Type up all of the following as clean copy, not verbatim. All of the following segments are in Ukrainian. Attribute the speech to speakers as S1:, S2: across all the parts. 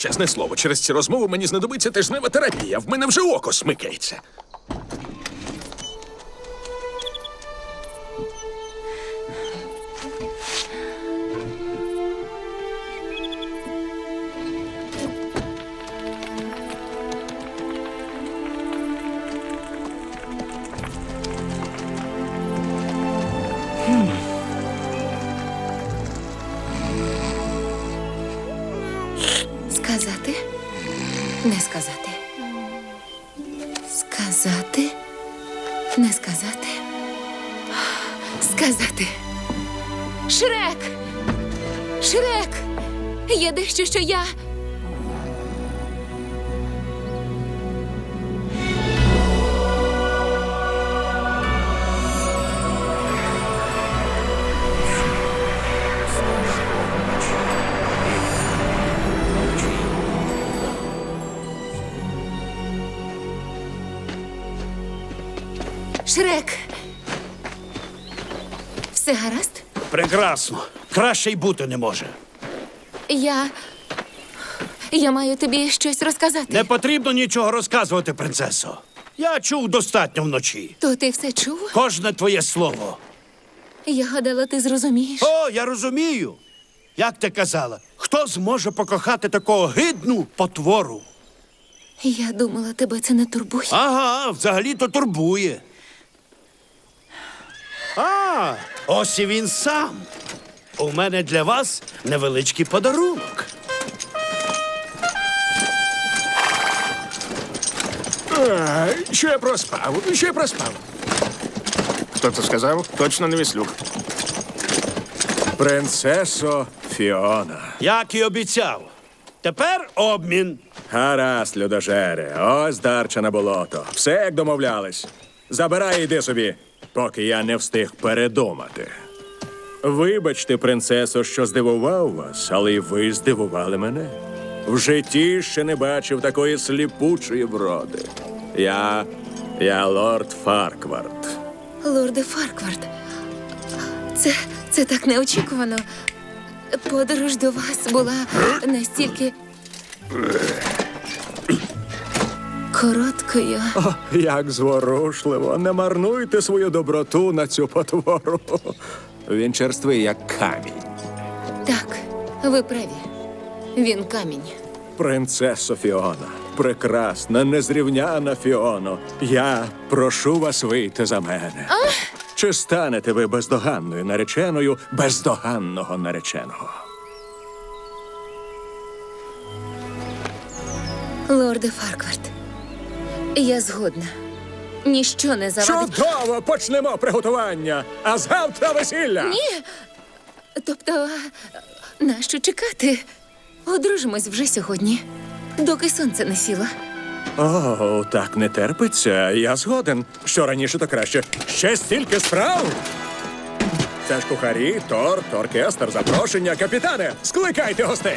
S1: чесне слово, через ці розмови мені знадобиться тижнева терапія. В мене вже око смикається.
S2: Сказати? Не сказати. Сказати? Не сказати. Сказати. Шрек! Шрек! Є дещо, що я... Шрек! Все гаразд?
S3: Прекрасно. Краще й бути не може.
S2: Я маю тобі щось розказати.
S3: Не потрібно нічого розказувати, принцесо. Я чув достатньо вночі.
S2: То ти все чув?
S3: Кожне твоє слово.
S2: Я гадала, ти зрозумієш.
S3: О, я розумію. Як ти казала, хто зможе покохати такого гидну потвору?
S2: Я думала, тебе це не турбує.
S3: Ага, взагалі-то турбує. А, ось і він сам. У мене для вас невеличкий подарунок.
S1: Що я проспав? Що я проспав?
S4: Хто це сказав? Точно не Віслюк.
S1: Принцесо Фіона.
S3: Як і обіцяв. Тепер обмін.
S1: Гаразд, людожере, ось дарча на болото. Все, як домовлялись. Забирай і йди собі, поки я не встиг передумати. Вибачте, принцесо, що здивував вас, але й ви здивували мене. В житті ще не бачив такої сліпучої вроди. Я лорд Фарквард.
S2: Лорде Фарквард, це так неочікувано. Подорож до вас була настільки... короткою.
S1: О, як зворушливо. Не марнуйте свою доброту на цю потвору. Він черствий, як камінь.
S2: Так, ви праві. Він камінь.
S1: Принцесо Фіона, прекрасна, незрівняна Фіоно, я прошу вас вийти за мене. Чи станете ви бездоганною нареченою бездоганного нареченого?
S2: Лорде Фарквард, я згодна. Ніщо не завадить...
S1: Чудово! Почнемо приготування! А завтра весілля!
S2: Ні! Тобто, нащо чекати? Одружимось вже сьогодні, доки сонце не сіло.
S1: О, так не терпиться. Я згоден. Що раніше, то краще. Ще стільки справ! Це ж кухарі, торт, оркестр, запрошення. Капітане, скликайте гостей!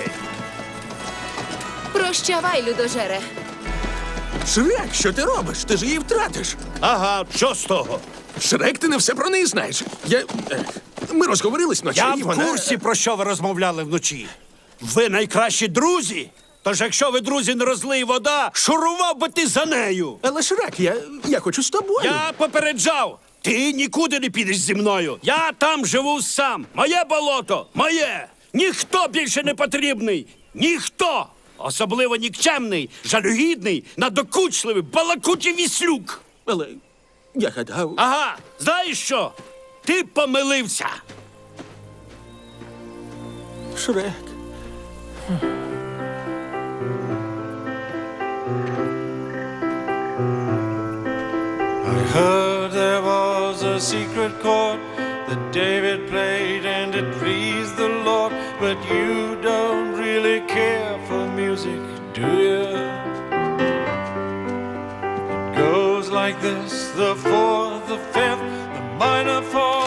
S2: Прощавай, людожере.
S5: Шрек, що ти робиш? Ти ж її втратиш.
S3: Ага, що з того?
S5: Шрек, ти не все про неї знаєш. Ми розговорились вночі,
S3: Я
S5: і
S3: в
S5: вона...
S3: курсі, про що ви розмовляли вночі. Ви найкращі друзі. Тож якщо ви, друзі, не розлий вода, шурував би ти за нею.
S5: Але Шрек, я хочу з тобою.
S3: Я попереджав. Ти нікуди не підеш зі мною. Я там живу сам. Моє болото, моє. Ніхто більше не потрібний. Ніхто. Особливо нікчемний, жалюгідний, надокучливий, балакучий Віслюк.
S5: Але я гадав...
S3: Ага, знаєш що? Ти помилився.
S5: Шрек.
S6: I heard there was a secret chord that David played and it pleased the Lord. But you don't really care for music, do you? It goes like this, the fourth, the fifth, the minor fall.